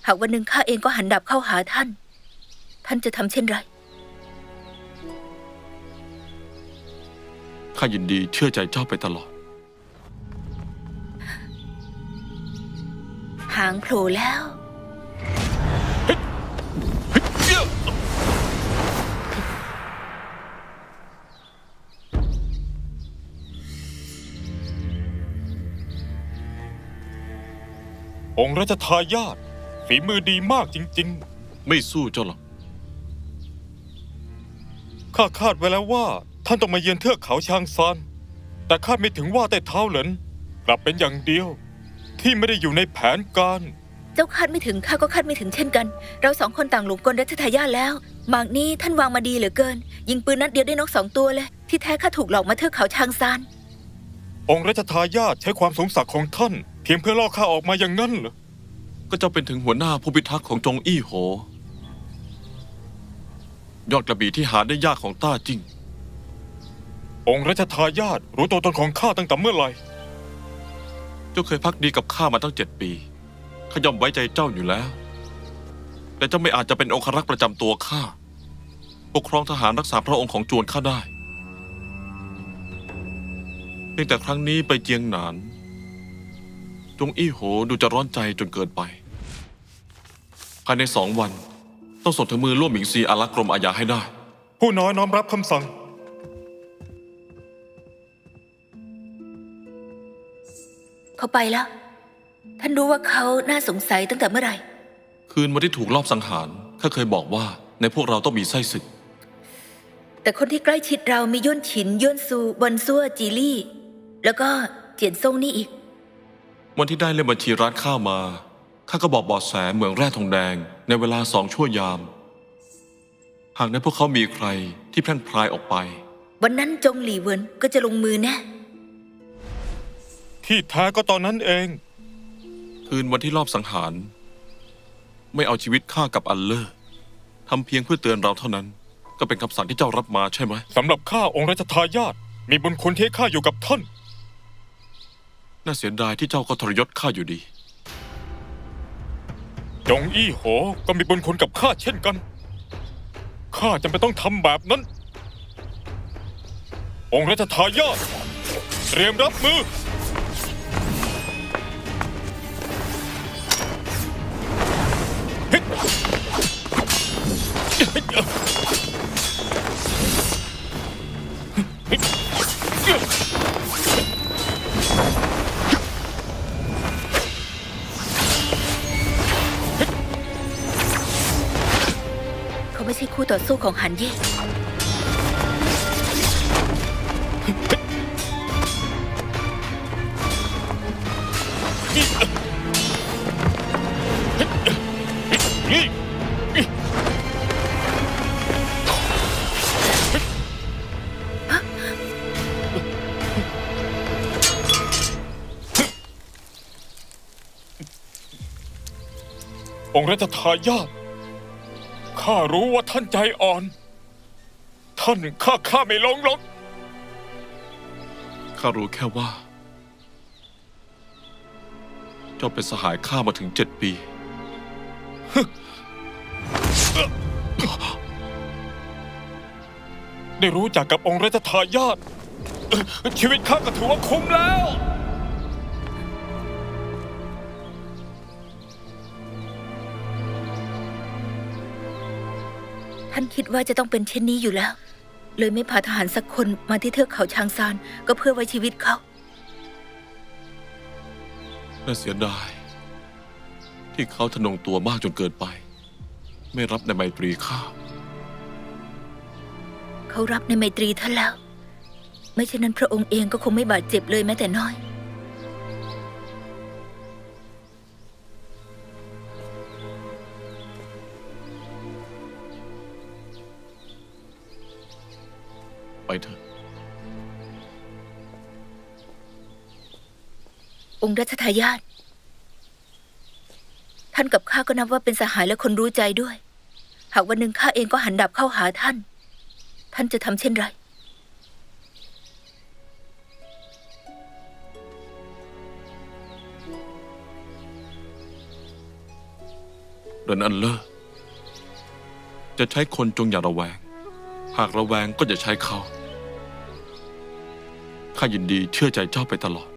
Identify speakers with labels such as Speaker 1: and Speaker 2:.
Speaker 1: หากวันหนึ่งข้าเองก็หันดาบเข้าหาท่าน ท่านจะทำเช่นไร
Speaker 2: ข้ายินดีเชื่อใจเจ้าไปตลอด
Speaker 1: หางโผล่แล้ว
Speaker 3: องค์รัชทายาทฝีมือดีมากจริง
Speaker 2: ไม่สู้เจ้าหรอก
Speaker 3: ๆ ข้าคาดไว้แล้วว่าท่านต้องมาเยือนเทือกเขาชางซานแต่คาดไม่ถึงว่าแต่เท้าเหรินกลับเป็นอย่างเดียว ที่ไม่ได้อยู่ในแผนการ
Speaker 1: เจ้าคาดไม่ถึงข้าก็คาดไม่ถึงเช่นกัน เราสองคนต่างหลงกลรัชทายาทแล้วหมากนี้ท่านวางมาดีเหลือเกิน ยิงปืนนัดเดียวได้นก2 ตัวเลย ที่แท้ข้าถูกหลอกมาเทือกเขาชางซาน
Speaker 3: องค์รัชทายาทใช้ความสงสักของท่าน เพียงเพื่อล่อข้าออกมาอย่างนั้นเหรอ
Speaker 2: ก็เจ้าเป็นถึงหัวหน้าผู้พิทักษ์ของจงอี้โห ยอดกระบี่ที่หาได้ยากของต้าจิ้ง
Speaker 3: องค์รัชทายาทรู้ตัวตนของข้าตั้งแต่เมื่อไหร่
Speaker 2: เจ้าเคยพักดีกับข้ามาตั้ง7 ปีข้าย่อมไว้ใจเจ้าอยู่แล้ว แต่เจ้าไม่อาจจะเป็นองครักษ์ประจำตัวข้าปกครองทหารรักษาพระองค์ของจวนข้าได้เพียงแต่ครั้งนี้ไปเจียงหนาน จงอี้โหดูจะร้อนใจจนเกินไป ภายใน2 วันต้องส่งถึงมือล่วหมิงซีอารักษ์กรมอาญาให้ได้
Speaker 3: ผู้น้อยน้อมรับคำสั่ง
Speaker 1: เขาไปแล้ว ท่านรู้ว่าเขาน่าสงสัยตั้งแต่เมื่อไหร่
Speaker 2: คืนวันที่ถูกลอบสังหารข้าเคยบอกว่าในพวกเราต้องมีไส้ศึก
Speaker 1: แต่คนที่ใกล้ชิดเรามีย่นฉินย่นซูบอนซัวจีลี่ แล้วก็เจียนซ่งนี่อีก
Speaker 2: วันที่ได้เล่มบัญชีร้านข้าวมาข้าก็บอกเบาะแสเหมืองแร่ทองแดงในเวลา2 ชั่วยาม หากในพวกเขามีใครที่แพร่งพรายออกไป
Speaker 1: วันนั้นจงหลี่เหวินก็จะลงมือแน่
Speaker 3: ที่แท้ก็ตอนนั้นเอง
Speaker 2: คืนวันที่ลอบสังหาร ไม่เอาชีวิตข้ากับอัลเลอร์ทำเพียงเพื่อเตือนเราเท่านั้น ก็เป็นคำสั่งที่เจ้ารับมาใช่ไหม
Speaker 3: สำหรับข้าองค์รัชทายาทมีบุญคุณที่ข้าอยู่กับท่าน
Speaker 2: น่าเสียดายที่เจ้าก็ทรยศข้าอยู่ดี
Speaker 3: จงอี้โหก็มีบุญคุณกับข้าเช่นกัน ข้าจำเป็นต้องทำแบบนั้น องค์รัชทายาทเตรียมรับมือ
Speaker 1: เขาไม่ใช่คู่ต่อสู้ของหันเย่
Speaker 3: องค์รัชทายาทข้ารู้ว่าท่านใจอ่อน ท่านข้าไม่ลงหรอก
Speaker 2: ข้ารู้แค่ว่า เจ้าเป็นสหายข้ามาถึง7 ปี
Speaker 3: ได้รู้จักกับองค์รัชทายาทชีวิตข้าก็ถือว่าคุ้มแล้ว
Speaker 1: ท่านคิดว่าจะต้องเป็นเช่นนี้อยู่แล้ว เลยไม่พาทหารสักคนมาที่เทือกเขาชางซานก็เพื่อไว้ชีวิตเขา
Speaker 2: น่าเสียดายที่เขาทะนงตัวมากจนเกินไป ไม่รับในไมตรีข้า
Speaker 1: เขารับในไมตรีท่านแล้ว ไม่เช่นนั้นพระองค์เองก็คงไม่บาดเจ็บเลยแม้แต่น้อย
Speaker 2: ไปเถอะ
Speaker 1: องค์รัชทายาทท่านกับข้าก็นับว่าเป็นสหายและคนรู้ใจด้วย หากวันหนึ่งข้าเองก็หันดาบเข้าหาท่าน ท่านจะทำเช่นไร
Speaker 2: เรนอันเลอร์ จะใช้คนจงอย่าระแวง หากระแวงก็จะใช้เขา ข้ายินดีเชื่อใจเจ้าไปตลอด